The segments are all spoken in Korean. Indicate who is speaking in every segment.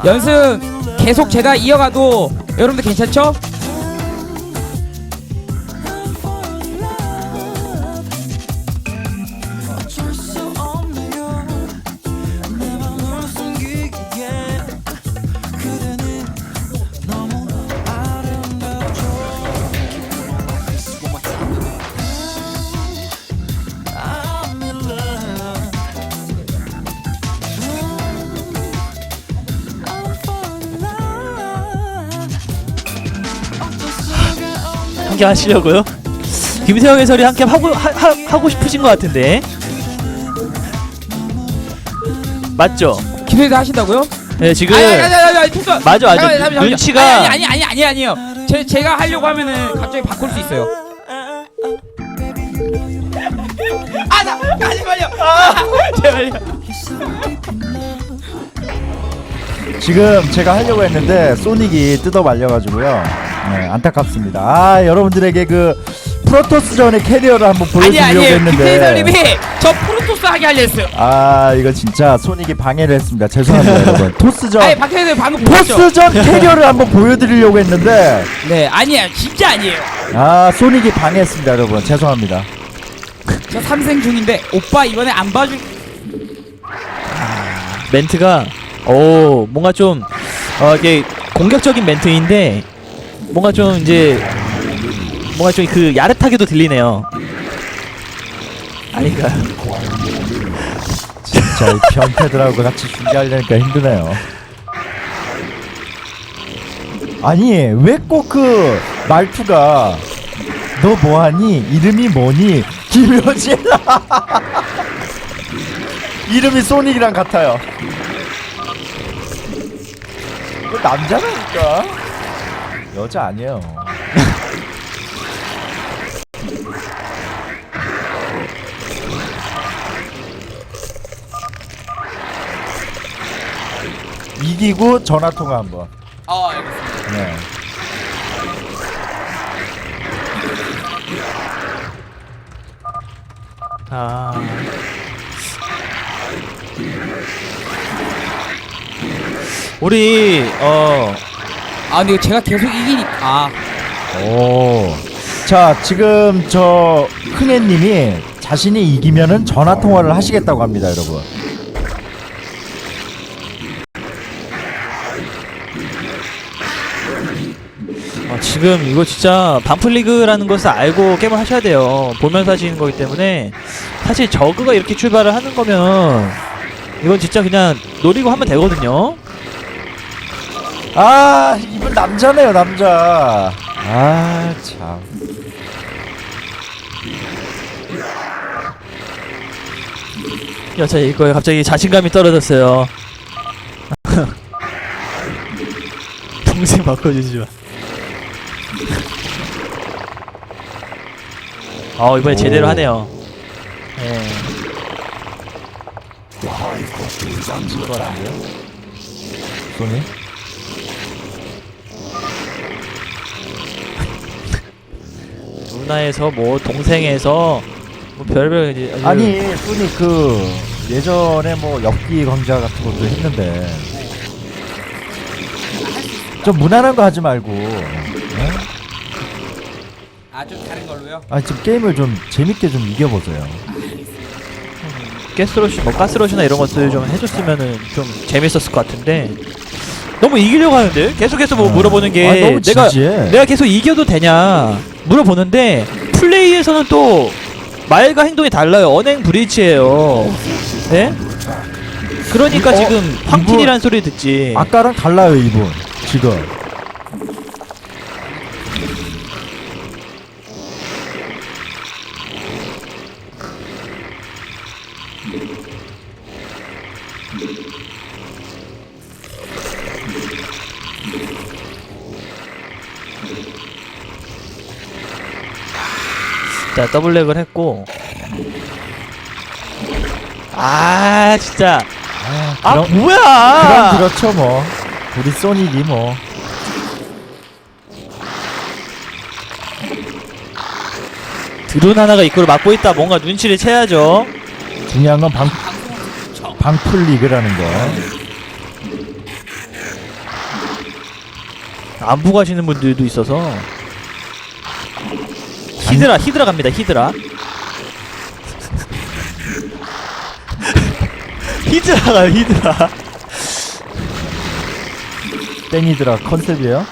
Speaker 1: 연승 계속 제가 이어가도 여러분들 괜찮죠?
Speaker 2: 함께 하시려고요? 김세형 해설이 함께 하고 싶으신 것 같은데 맞죠?
Speaker 1: 기대도 하신다고요?
Speaker 2: 네 지금 맞아 눈치가
Speaker 1: 아니요. 제가 하려고 하면은 갑자기 바꿀 수 있어요. 제발요. 제발요.
Speaker 3: 지금 제가 하려고 했는데 소닉이 뜯어 말려가지고요. 네, 안타깝습니다. 아, 여러분들에게 그 프로토스전의 캐리어를 한번 보여주려고 했는데
Speaker 1: 김태설님이 저 프로토스 하게 하려 했어요.
Speaker 3: 아, 이거 진짜 소닉이 방해를 했습니다. 죄송합니다 여러분. 토스전
Speaker 1: 아니 박태설 방금 보셨죠?
Speaker 3: 토스전 캐리어를 한번 보여드리려고 했는데
Speaker 1: 네 아니에요 진짜 아니에요.
Speaker 3: 아, 소닉이 방해했습니다 여러분. 죄송합니다.
Speaker 1: 저 삼생 중인데 오빠 이번에 안 봐줄.
Speaker 2: 멘트가 뭔가 좀 이게 공격적인 멘트인데 뭔가 좀 이제 뭔가 좀 그 야릇하게도 들리네요. 아닌가?
Speaker 3: 진짜 이 변태들하고 같이 중계하려니까 힘드네요. 아니 왜 꼭 그 말투가 너 뭐하니? 이름이 뭐니? 김효진 이름이 소닉이랑 같아요. 남자라니까 여자 아니에요. 이기고 전화통화 한번.
Speaker 1: 알겠습니다.
Speaker 3: 네.
Speaker 2: 우리
Speaker 1: 근데 이거 제가 계속 이기니까
Speaker 3: 오. 자, 지금 저 흥애님이 자신이 이기면은 전화 통화를 하시겠다고 합니다, 여러분.
Speaker 2: 지금 이거 진짜 반플리그라는 것을 알고 게임을 하셔야 돼요. 보면서 하시는 거기 때문에 사실 저그가 이렇게 출발을 하는 거면 이건 진짜 그냥 노리고 하면 되거든요.
Speaker 3: 아, 이분 남자네요, 남자. 아, 참.
Speaker 2: 여자 이거에 갑자기 자신감이 떨어졌어요. 동생 바꿔주지 마. 이번에 제대로 하네요. 예.
Speaker 3: 소니?
Speaker 2: 누나에서 뭐 동생에서 뭐 별별 이제
Speaker 3: 아니, 소니 그 예전에 뭐 엽기 강좌 같은 것도 했는데 좀 무난한 거 하지 말고. 네?
Speaker 1: 좀 다른 걸로요?
Speaker 3: 아니, 좀 게임을 좀 재밌게 좀 이겨보세요.
Speaker 2: 가스러시 뭐 가스러시나 이런 것들 좀 해줬으면은 좀 재밌었을 것 같은데 너무 이기려고 하는데 계속해서 뭐 물어보는 게
Speaker 3: 너무 진지해.
Speaker 2: 내가 계속 이겨도 되냐 물어보는데 플레이에서는 또 말과 행동이 달라요. 언행 브리치예요. 네? 그러니까 지금 황틴이란 소리 듣지.
Speaker 3: 아까랑 달라요, 이분. 지금.
Speaker 2: 자 더블렉을 했고 진짜
Speaker 3: 그럼
Speaker 2: 뭐야
Speaker 3: 그렇죠 뭐. 우리 소닉이 뭐.
Speaker 2: 드론 하나가 입구를 막고 있다. 뭔가 눈치를 채야죠.
Speaker 3: 중요한 건 방풀 리그라는 거.
Speaker 2: 안부 가시는 분들도 있어서. 히드라 갑니다. 히드라 가요. 히드라.
Speaker 3: 땡이드라 컨셉이에요.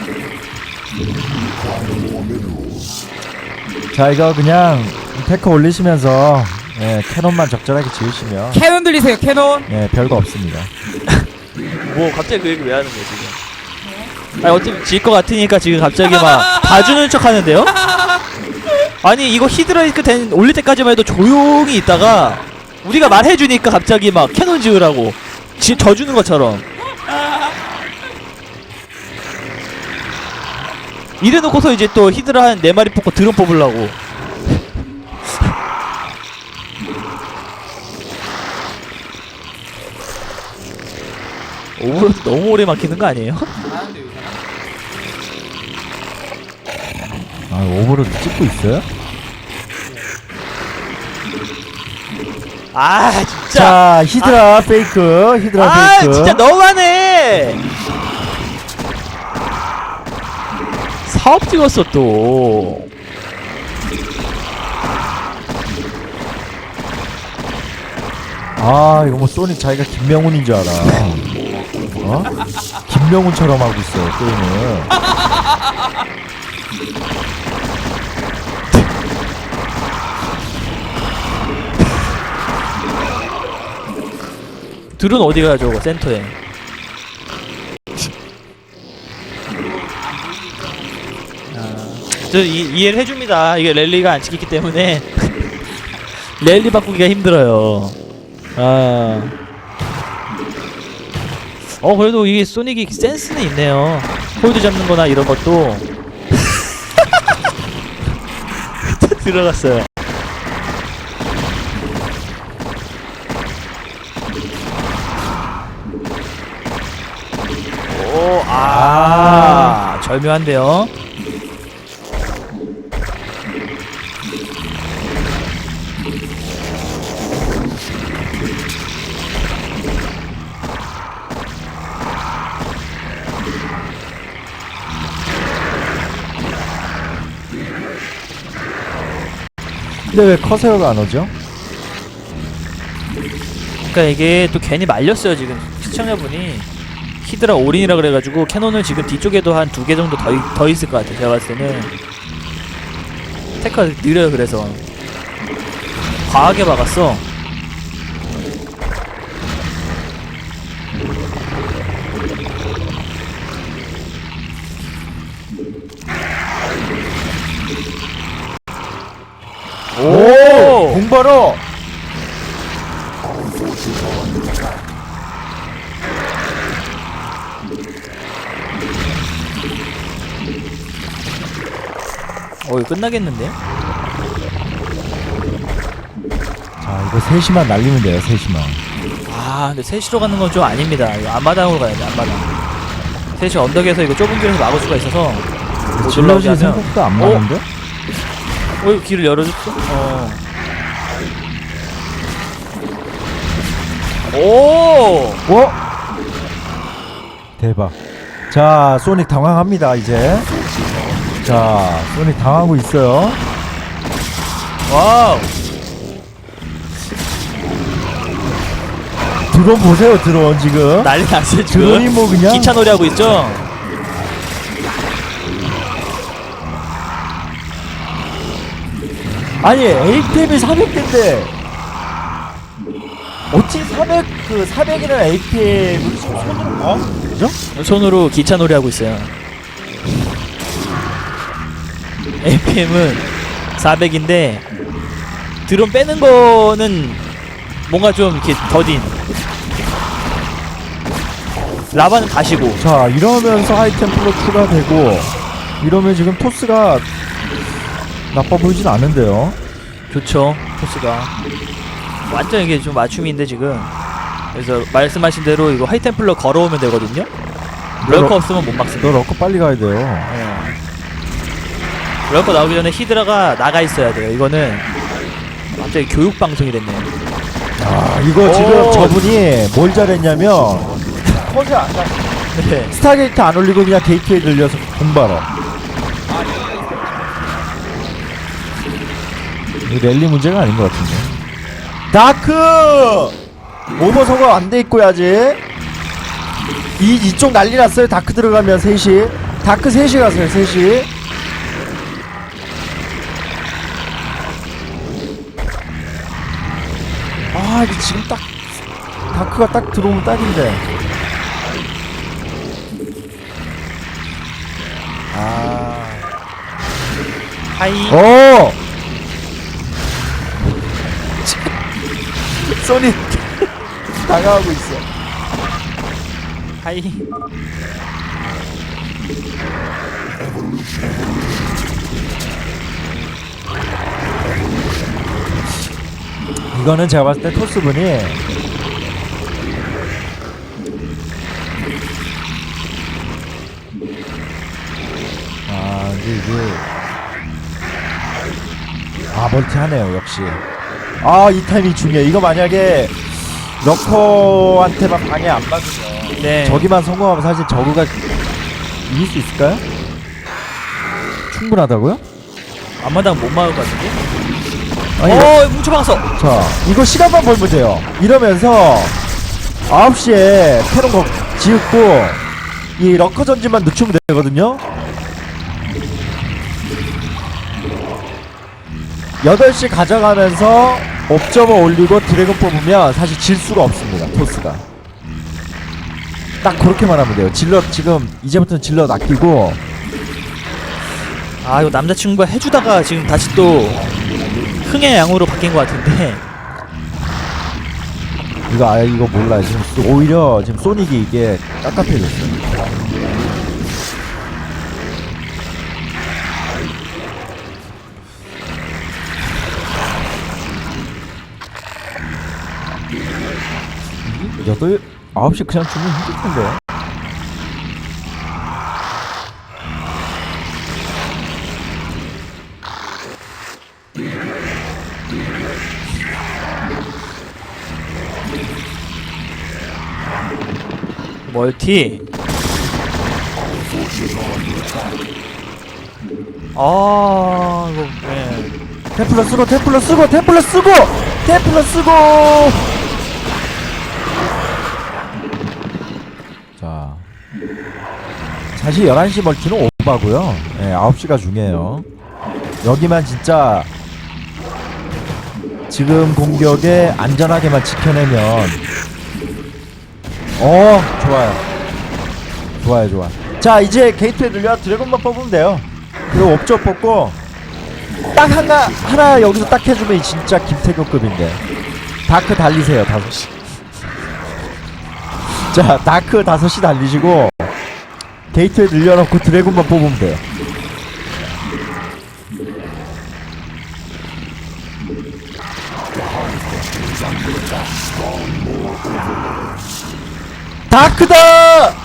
Speaker 3: 자, 이거 그냥 테크 올리시면서 캐논만 적절하게 지으시면
Speaker 1: 캐논 들리세요 캐논.
Speaker 3: 별거 없습니다.
Speaker 2: 뭐 갑자기 그 얘기 왜 하는 거야 지금? 아니 어차피 질 것 같으니까 지금 갑자기 막 봐주는 척 하는데요? 아니 이거 히드라이크 올릴 때까지만 해도 조용히 있다가 우리가 말해주니까 갑자기 막 캐논 지으라고 져주는 것처럼 이래놓고서 이제 또 히드라 한 4마리 뽑고 드론 뽑으려고. 오버로드 너무 오래 막히는 거 아니에요?
Speaker 3: 아, 오버로드 찍고 있어요?
Speaker 2: 아 진짜.
Speaker 3: 자, 히드라 페이크, 히드라
Speaker 2: 아
Speaker 3: 페이크.
Speaker 2: 진짜 너무하네. 사업 찍었어 또.
Speaker 3: 아, 이거 뭐 소닉 자기가 김명훈인 줄 알아. 어? 김명훈처럼 하고 있어요 게임을.
Speaker 2: 드론 어디 가요 저거 센터에. 저 이해를 해줍니다. 이게 랠리가 안 찍히기 때문에 랠리 바꾸기가 힘들어요. 그래도 이게 소닉이 센스는 있네요. 홀드 잡는 거나 이런 것도. 들어갔어요. 절묘한데요.
Speaker 3: 근데 왜 커세어가 안 오죠?
Speaker 2: 그러니까 이게 또 괜히 말렸어요 지금 시청자분이. 히드라 올인이라 그래가지고 캐논을 지금 뒤쪽에도 한 2개 정도 더 있을 것 같아요. 제가 봤을 때는 테크가 느려요. 그래서 과하게 박았어.
Speaker 3: 오! 공바로!
Speaker 2: 이거 끝나겠는데?
Speaker 3: 자, 이거 3시만 날리면 돼요. 3시만.
Speaker 2: 근데 3시로 가는 건 좀 아닙니다. 이거 앞마당으로 가야 돼. 앞마당. 3시 언덕에서 이거 좁은 길에서 막을 수가 있어서 못 올라오게
Speaker 3: 질럿이
Speaker 2: 하면.
Speaker 3: 생각보다 안 많은데?
Speaker 2: 이거 길을 열어줬어? 오!
Speaker 3: 대박. 자, 소닉 당황합니다 이제. 자, 소닉 당하고 있어요.
Speaker 2: 와우!
Speaker 3: 드론 보세요. 드론 지금.
Speaker 2: 난리 났어요 지금.
Speaker 3: 드론이 뭐 그냥
Speaker 2: 기차 놀이 하고 있죠?
Speaker 3: 아니 APM이 400대인데 어찌 400이라는 APM을 손으로 그죠?
Speaker 2: 손으로 기차 놀이 하고 있어요. APM은 400인데 드론 빼는 거는 뭔가 좀 이렇게 더딘. 라바는 다시고.
Speaker 3: 자, 이러면서 하이템플로 추가되고 이러면 지금 토스가 나빠 보이진 않은데요.
Speaker 2: 좋죠. 토스가 완전 이게 좀 맞춤인데 지금. 그래서 말씀하신 대로 이거 하이템플러 걸어오면 되거든요. 럴커 없으면 못 막습니다.
Speaker 3: 너 럭커 빨리 가야 돼요.
Speaker 2: 럴커 나오기 전에 히드라가 나가 있어야 돼요. 이거는 갑자기 교육 방송이 됐네요.
Speaker 3: 아, 이거 지금 저분이 뭘 잘했냐면 컷을 안 갔어.
Speaker 2: 네.
Speaker 3: 스타게이트 안 올리고 그냥 게이트에 들려서 공바로. 이 랠리 문제가 아닌 것 같은데. 다크 오버 소거 안 돼 있고요 아직. 이쪽 난리 났어요. 다크 들어가면 3시. 다크 3시 가세요 3시. 아 이게 지금 딱 다크가 딱 들어오면 딱인데. 아.
Speaker 2: 하이.
Speaker 3: 오. 소니 당황하고 있어.
Speaker 2: 하이.
Speaker 3: 이거는 제가 봤을 때 토스분이 멀티하네요 역시. 이 타이밍 중요해. 이거 만약에 러커한테만 방해 안 받으면
Speaker 2: 네.
Speaker 3: 저기만 성공하면 사실 저그가 이길 수 있을까요? 충분하다고요?
Speaker 2: 앞마당 못 막을 것 같은데?
Speaker 3: 아니,
Speaker 2: 뭉쳐박았어.
Speaker 3: 자 이거 시간만 벌면 돼요. 이러면서 9시에 캐논 거 지었고 이 러커 전진만 늦추면 되거든요. 8시 가져가면서 옵저버 올리고 드래곤 뽑으면 사실 질 수가 없습니다. 토스가 딱 그렇게만 하면 돼요. 질럿 지금 이제부터는 질럿 아끼고.
Speaker 2: 이거 남자친구가 해주다가 지금 다시 또 흥의 양으로 바뀐 것 같은데.
Speaker 3: 이거 몰라요. 지금 오히려 지금 소닉이 이게 깝깝해졌어요. 여덟 9시 그냥 주면 힘들 텐데.
Speaker 2: 멀티. 이거
Speaker 3: 테플러 쓰고 자 사실 11시 멀티는 오바고요. 9시가 중요해요. 여기만 진짜 지금 공격에 안전하게만 지켜내면 좋아요. 자 이제 게이트에 들려 드래곤만 뽑으면 돼요. 그리고 옵저 뽑고 딱 하나 여기서 딱 해주면 진짜 김태경급인데. 다크 달리세요 5시. 자 다크 5시 달리시고 게이트에 늘려놓고 드래곤만 뽑으면 돼요. 다크다!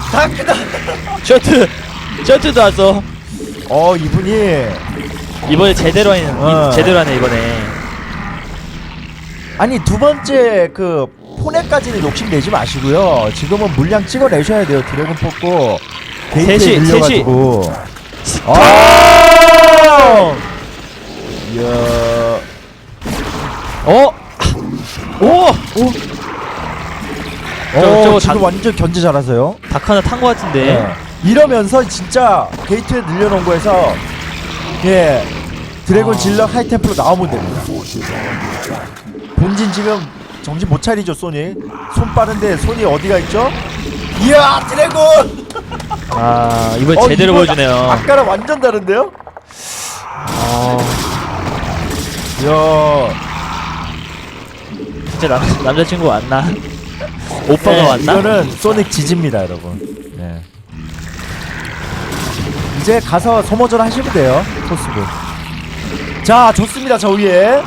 Speaker 2: 셔트도 왔어.
Speaker 3: 이분이
Speaker 2: 이번에 제대로 하네 이번에.
Speaker 3: 아니 두 번째 그 포넷까지는 욕심내지 마시고요. 지금은 물량 찍어내셔야 돼요. 드래곤 뽑고 게이트에 늘려가지고. 이야.
Speaker 2: 저거
Speaker 3: 지금 완전 견제 잘하세요.
Speaker 2: 닭 하나 탄 것 같은데.
Speaker 3: 이러면서 진짜 게이트에 늘려놓은 거에서 드래곤 질럿 하이템플로 나오면 됩니다. 본진 지금 정신 못 차리죠 소니. 손 빠른데 손이 어디가 있죠? 이야 드래곤!
Speaker 2: 이번 제대로 보여주네요.
Speaker 3: 아까랑 완전 다른데요? 이야
Speaker 2: 진짜 남자친구 왔나? 오빠가 왔나?
Speaker 3: 이거는 소닉 지지입니다 여러분. 이제 가서 소모전 하시면 돼요 토스분. 자 좋습니다. 저 위에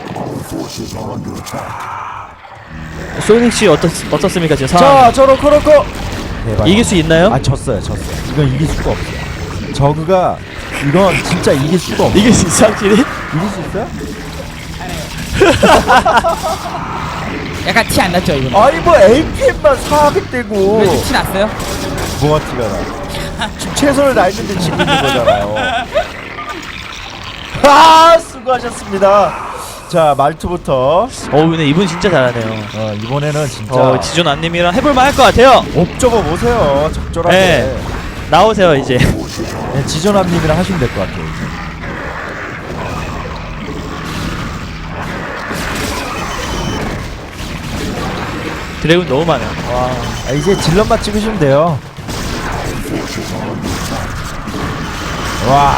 Speaker 2: 소닉씨 어떻습니까 지금
Speaker 3: 자 저 로코 대박.
Speaker 2: 이길 수 있나요?
Speaker 3: 졌어요. 이건 이길 수가 없어요. 저그가 이건 진짜 이길 수가 없어요.
Speaker 2: 이길 수 있어 확실히?
Speaker 3: 이길 수 있어요?
Speaker 1: 약간 티 안 났죠 이거?
Speaker 3: 아니 뭐 APM만 사하겠대고
Speaker 1: 왜 티 났어요?
Speaker 3: 뭐가 티가 나? 지금 최선을 다했는데 지고 있는 거잖아요. 아 수고하셨습니다. 자 말투부터
Speaker 2: 근데 이분 진짜 잘하네요.
Speaker 3: 이번에는 진짜
Speaker 2: 지존 안님이랑 해볼만 할 것 같아요.
Speaker 3: 옵저버 보세요. 적절하게.
Speaker 2: 네. 나오세요 이제.
Speaker 3: 네, 지존함님이랑 하시면 될 것 같아요. 이제.
Speaker 2: 드래곤 너무 많아요. 와.
Speaker 3: 이제 질럿만 찍으시면 돼요. 와.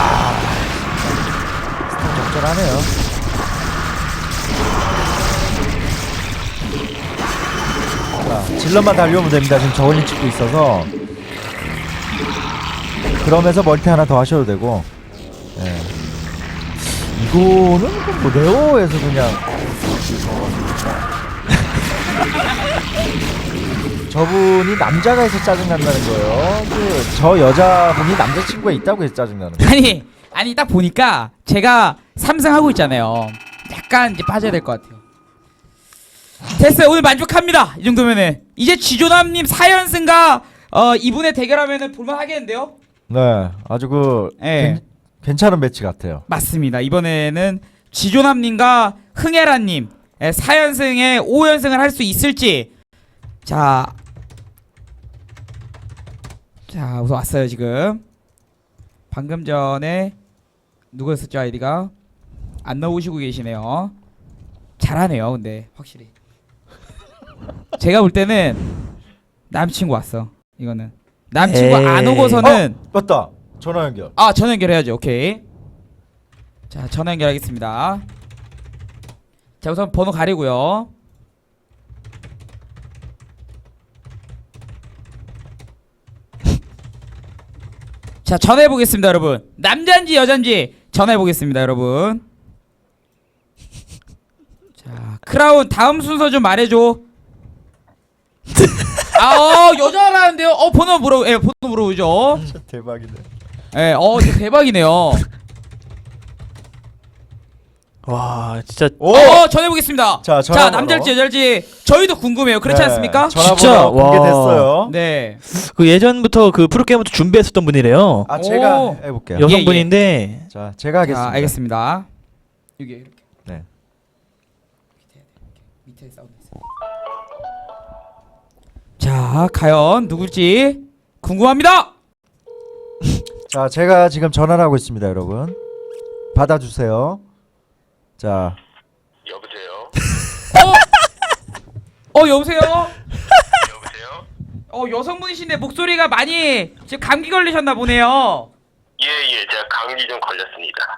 Speaker 3: 적절하네요. 자, 질럿만 달려오면 됩니다. 지금 저울링 찍고 있어서. 그러면서 멀티 하나 더 하셔도 되고. 예. 이거는 뭐 네오에서 그냥 저분이 남자가 해서 짜증난다는 거예요. 저 여자분이 남자친구가 있다고 해서 짜증나는 거예요.
Speaker 1: 아니 딱 보니까 제가 3승 하고 있잖아요. 약간 이제 빠져야 될 것 같아요. 됐어요. 오늘 만족합니다. 이 정도면은 이제 지조남님 4연승과 이분의 대결하면은 볼만 하겠는데요?
Speaker 3: 네, 아주
Speaker 1: 네.
Speaker 3: 괜찮은 매치 같아요.
Speaker 1: 맞습니다. 이번에는 지조남님과 흥애라님 4연승에 5연승을 할 수 있을지. 자 우선 왔어요. 지금 방금 전에 누구였었죠? 아이디가 안 나오시고 계시네요. 잘하네요. 근데 확실히 제가 볼 때는 남친구 왔어. 이거는 남친구 안 오고서는
Speaker 3: 맞다. 전화 연결.
Speaker 1: 전화 연결해야죠. 오케이. 자 전화 연결하겠습니다. 자 우선 번호 가리고요. 자 전화해보겠습니다 여러분. 남잔지 여잔지 전화해보겠습니다 여러분. 자 크라운 다음 순서 좀 말해줘. 여자라는데요. 번호 번호 물어보죠.
Speaker 3: 진짜 대박이네.
Speaker 1: 진짜 대박이네요.
Speaker 2: 와 진짜.
Speaker 1: 전해보겠습니다.
Speaker 3: 자,
Speaker 1: 남잘지 여잘지 저희도 궁금해요. 그렇지 않습니까?
Speaker 3: 전화번호
Speaker 2: 진짜,
Speaker 3: 공개됐어요.
Speaker 1: 네.
Speaker 2: 그 예전부터 그 프로게이머부터 준비했었던 분이래요.
Speaker 3: 제가 해볼게요.
Speaker 2: 여성분인데.
Speaker 3: 자, 제가 하겠습니다.
Speaker 1: 알겠습니다. 여기 이렇게.
Speaker 3: 네.
Speaker 1: 밑에 사운드 있어요. 자, 과연 누굴지 궁금합니다.
Speaker 3: 자, 제가 지금 전화를 하고 있습니다, 여러분. 받아주세요. 자.
Speaker 4: 여보세요?
Speaker 1: 여보세요?
Speaker 4: 여보세요?
Speaker 1: 여성분이신데 목소리가 많이 지금 감기 걸리셨나 보네요.
Speaker 4: 예, 제가 감기 좀 걸렸습니다.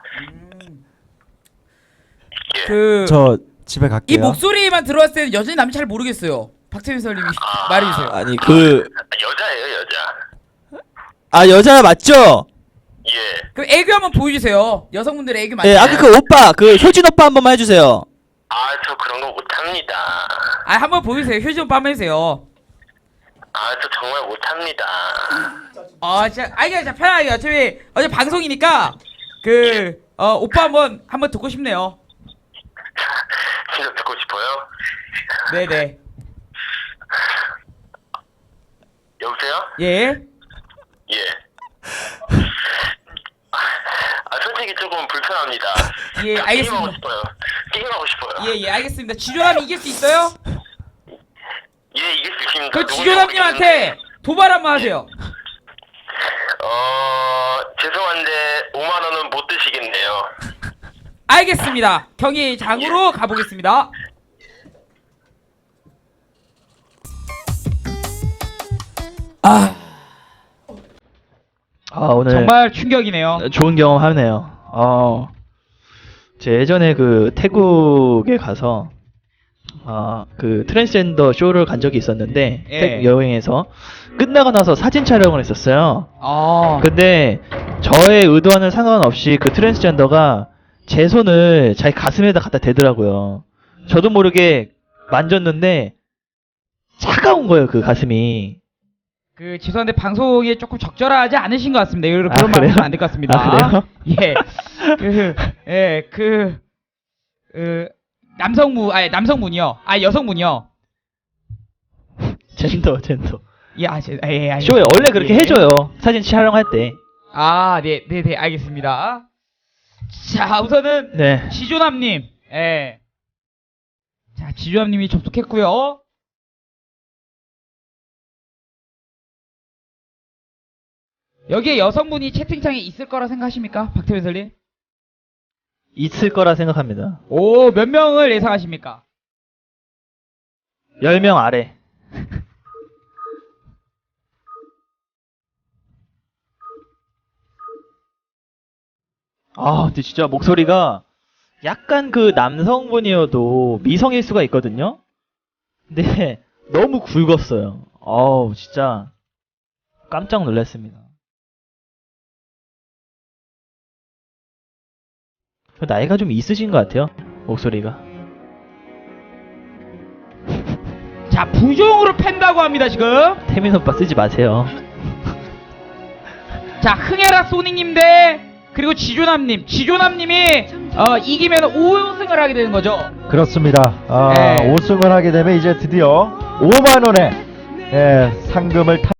Speaker 4: 예.
Speaker 3: 저 집에 갈게요.
Speaker 1: 이 목소리만 들어왔을 때는 여전히 남이 잘 모르겠어요. 박태민 선생님이 말해주세요.
Speaker 2: 아니
Speaker 4: 여자예요, 여자.
Speaker 2: 여자 맞죠?
Speaker 4: 예.
Speaker 1: 그럼 애교 한번 보여주세요. 여성분들의 애교 많이.
Speaker 2: 네, 아까 그 오빠 효진 오빠 한 번만 해주세요.
Speaker 4: 저 그런 거 못합니다.
Speaker 1: 한번 보여주세요. 효진 오빠 한번 해주세요.
Speaker 4: 저 정말 못합니다.
Speaker 1: 진짜 진짜 편하게. 어차피 방송이니까 오빠 한번 듣고 싶네요.
Speaker 4: 진짜 듣고 싶어요?
Speaker 1: 네네.
Speaker 4: 여보세요?
Speaker 1: 예.
Speaker 4: 예. 솔직히 조금 불편합니다.
Speaker 1: 예, 알겠습니다.
Speaker 4: 게임하고 싶어요.
Speaker 1: 예, 알겠습니다. 지조남 이길 수 있어요?
Speaker 4: 예, 이길 수 있습니다.
Speaker 1: 그 지조남님한테 도발 한번 하세요.
Speaker 4: 죄송한데 5만 원은 못 드시겠네요.
Speaker 1: 알겠습니다. 경기장으로 가보겠습니다.
Speaker 2: 오늘
Speaker 1: 정말 충격이네요.
Speaker 2: 좋은 경험 하네요. 제 예전에 그 태국에 가서 그 트랜스젠더 쇼를 간 적이 있었는데 태국 여행에서 끝나고 나서 사진 촬영을 했었어요. 근데 저의 의도와는 상관없이 그 트랜스젠더가 제 손을 자기 가슴에다 갖다 대더라고요. 저도 모르게 만졌는데 차가운 거예요, 그 가슴이.
Speaker 1: 죄송한데 방송에 조금 적절하지 않으신 것 같습니다. 그런 말
Speaker 2: 그래요?
Speaker 1: 하면 안 될 것 같습니다.
Speaker 2: 그래요?
Speaker 1: 남성분이요. 여성분이요.
Speaker 2: 젠더.
Speaker 1: 예,
Speaker 2: 쇼에 원래 그렇게
Speaker 1: 예.
Speaker 2: 해줘요. 사진 촬영할 때.
Speaker 1: 아, 네, 알겠습니다. 자, 우선은
Speaker 2: 네.
Speaker 1: 지조남님, 예. 자, 지조남님이 접속했고요. 여기에 여성분이 채팅창에 있을 거라 생각하십니까, 박태민 설님?
Speaker 2: 있을 거라 생각합니다.
Speaker 1: 오, 몇 명을 예상하십니까?
Speaker 2: 10명 아래. 아, 근데 진짜 목소리가 약간 그 남성분이어도 미성일 수가 있거든요? 근데 너무 굵었어요. 어우, 진짜 깜짝 놀랐습니다. 나이가 좀 있으신 것 같아요, 목소리가.
Speaker 1: 자, 부종으로 팬다고 합니다, 지금.
Speaker 2: 태민 오빠 쓰지 마세요.
Speaker 1: 자, 흥해라 소닉님 대 그리고 지조남님이 이기면 5승을 하게 되는 거죠.
Speaker 3: 그렇습니다.
Speaker 1: 네.
Speaker 3: 5승을 하게 되면 이제 드디어 5만 원의 상금을